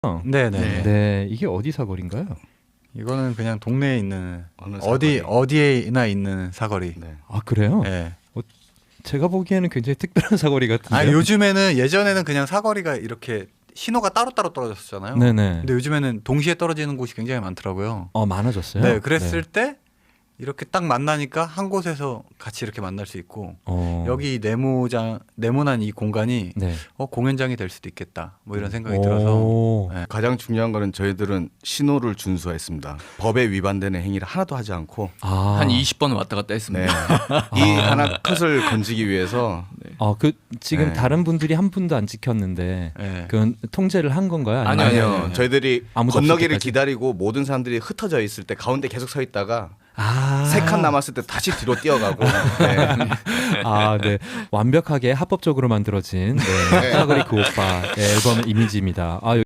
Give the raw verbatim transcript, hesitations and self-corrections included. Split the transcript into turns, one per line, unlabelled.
네네.
네.
네, 이게 어디 사거리인가요?
이거는 그냥 동네에 있는
어느
어디
사거리.
어디에나 있는 사거리.
네.
아 그래요?
네.
제가 보기에는 굉장히 특별한 사거리 같은데.
아 요즘에는 예전에는 그냥 사거리가 이렇게 신호가 따로따로 떨어졌었잖아요.
네네.
근데 요즘에는 동시에 떨어지는 곳이 굉장히 많더라고요.
어 많아졌어요.
네, 그랬을 때 이렇게 딱 만나니까 한 곳에서 같이 이렇게 만날 수 있고
어.
여기 네모장 네모난 이 공간이
네.
어, 공연장이 될 수도 있겠다. 뭐 이런 생각이
오.
들어서 네.
가장 중요한 거는 저희들은 신호를 준수했습니다. 법에 위반되는 행위를 하나도 하지 않고
아.
한 이십 번 왔다 갔다
네.
했습니다.
이 하나 컷을 건지기 위해서
아, 그 지금
네.
다른 분들이 한 분도 안 지켰는데
네.
그건 통제를 한 건가요?
아니요,
아니요,
아니요, 아니요.
저희들이
아무도 없을
건너기를
때까지?
기다리고 모든 사람들이 흩어져 있을 때 가운데 계속 서 있다가
아.
세 칸 남았을 때 다시 뒤로 뛰어가고 네.
아, 네. 완벽하게 합법적으로 만들어진 네. 사거리 그 오빠 앨범 이미지입니다. 아,